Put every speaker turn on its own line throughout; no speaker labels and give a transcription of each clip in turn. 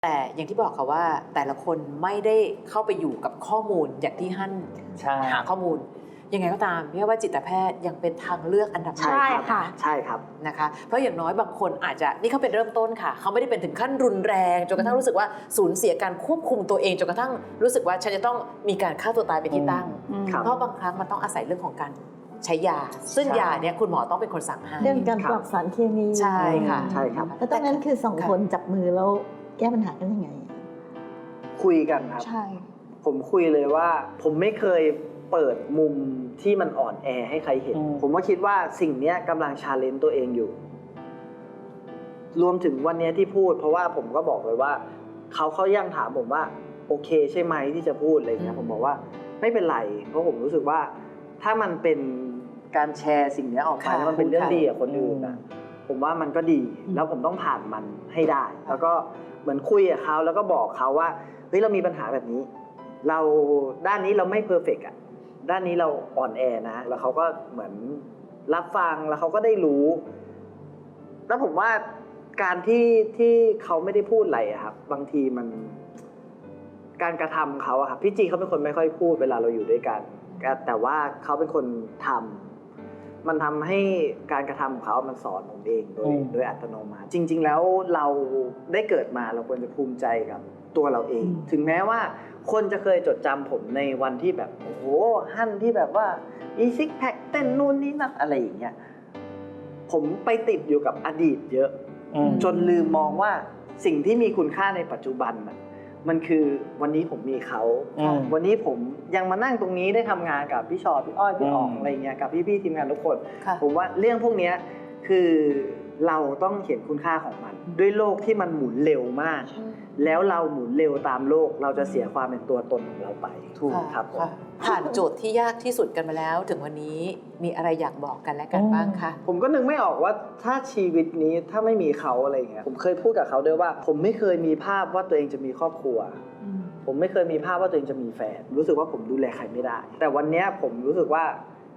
แต่อย่างที่บอกค่ะว่าแต่ละคนไม่ได้เข้าไปอยู่กับข้อมูลอย่างที่ฮั่นหาข้อมูลยังไงก็ตามพี่ว่าจิตแพทย์ยังเป็นทางเลือกอันดับหนึ่ง
ใช่ค่ะใช่ครับ
นะคะเพราะอย่างน้อยบางคนอาจจะนี่เขาเป็นเริ่มต้นค่ะเขาไม่ได้เป็นถึงขั้นรุนแรงจนกระทั่งรู้สึกว่าสูญเสียการควบคุมตัวเองจนกระทั่งรู้สึกว่าฉันจะต้องมีการฆ่าตัวตายเป็นที่ตั้งเพราะบางครั้งมันต้องอาศัยเรื่องของการใช้ยาซึ่งยาเนี่ยคุณหมอต้องเป็นคนสั่งให้
เรื่องการปรับสารเคมี
ใช่ค่ะ
ใช่ครับ
แล้วตอนนั้นคือสองคนจับมือแล้วแก้ปัญหากันยังไง
คุยกันครับ
ใช่
ผมคุยเลยว่าผมไม่เคยเปิดมุมที่มันอ่อนแอให้ใครเห็นผมก็คิดว่าสิ่งนี้กำลังชาเลนจ์ตัวเองอยู่รวมถึงวันนี้ที่พูดเพราะว่าผมก็บอกเลยว่าเขายังถามผมว่าโอเคใช่ไหมที่จะพูดอะไรเงี้ยผมบอกว่าไม่เป็นไรเพราะผมรู้สึกว่าถ้ามันเป็นการแชร์สิ่งนี้ออกไปแล้วมันเป็นเรื่องดีกับคนอื่นนะผมว่ามันก็ดีแล้วผมต้องผ่านมันให้ได้แล้วก็เหมือนคุยกับเขาแล้วก็บอกเขาว่าเฮ้ยเรามีปัญหาแบบนี้เราด้านนี้เราไม่เพอร์เฟกต์อ่ะด้านนี้เราอ่อนแอนะแล้วเขาก็เหมือนรับฟังแล้วเขาก็ได้รู้แล้วผมว่าการที่เขาไม่ได้พูดอะไรอะครับบางทีมันการกระทำเขาอะครับพี่จีเขาเป็นคนไม่ค่อยพูดเวลาเราอยู่ด้วยกันแต่ว่าเขาเป็นคนทำมันทำให้การกระทำของเขามันสอนผมเองโดยอัตโนมัติจริงๆแล้วเราได้เกิดมาเราควรจะภูมิใจกับตัวเราเองถึงแม้ว่าคนจะเคยจดจำผมในวันที่แบบโอ้โหฮั่นที่แบบว่ามีซิกแพคเต้นนู่นนี่นั่นอะไรอย่างเงี้ยผมไปติดอยู่กับอดีตเยอะจนลืมมองว่าสิ่งที่มีคุณค่าในปัจจุบันมันคือวันนี้ผมมีเขาวันนี้ผมยังมานั่งตรงนี้ได้ทำงานกับพี่ชอพี่อ้อยพี่อ๋องอะไรเงี้ยกับพี่ๆทีมงานทุกคนผมว่าเรื่องพวกนี้คือเราต้องเห็นคุณค่าของมันด้วยโลกที่มันหมุนเร็วมากแล้วเราหมุนเร็วตามโลกเราจะเสียความเป็นตัวตนของเราไปถูกครับ
ผ่านโจทย์ที่ยากที่สุดกันมาแล้วถึงวันนี้มีอะไรอยากบอกกันและกันบ้างคะ
ผมก็นึกไม่ออกว่าถ้าชีวิตนี้ถ้าไม่มีเขาอะไรเงี้ยผมเคยพูดกับเขาด้วยว่าผมไม่เคยมีภาพว่าตัวเองจะมีครอบครัวผมไม่เคยมีภาพว่าตัวเองจะมีแฟนรู้สึกว่าผมดูแลใครไม่ได้แต่วันนี้ผมรู้สึกว่า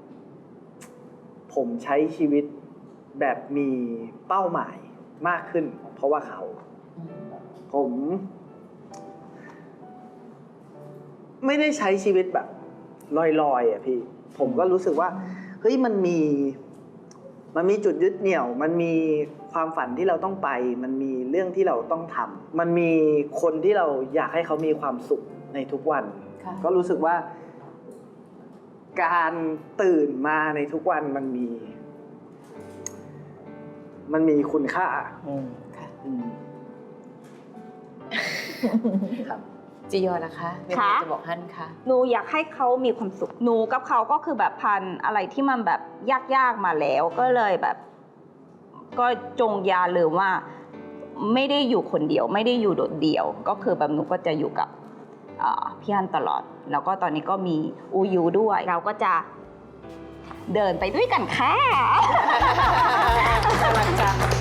ผมใช้ชีวิตแบบมีเป้าหมายมากขึ้นเพราะว่าเขาผมไม่ได้ใช้ชีวิตแบบลอยๆอ่ะพี่ผมก็รู้สึกว่าเฮ้ยมันมีจุดยึดเหนี่ยวมันมีความฝันที่เราต้องไปมันมีเรื่องที่เราต้องทำมันมีคนที่เราอยากให้เขามีความสุขในทุกวันก็รู้สึกว่าการตื่นมาในทุกวันมันมีคุณค่า
ครับจียอนะคะมีอะไรจะบอกฮั่นคะ
หนูอยากให้เขามีความสุขหนูกับเขาก็คือแบบพันอะไรที่มันแบบยากๆมาแล้วก็เลยแบบก็จงอย่าลืมว่าไม่ได้อยู่คนเดียวไม่ได้อยู่โดดเดี่ยวก็คือแบบหนูก็จะอยู่กับพี่ฮั่นตลอดแล้วก็ตอนนี้ก็มีอูยูด้วยเราก็จะเดินไปด้วยกันค่ะ
กำลังจะ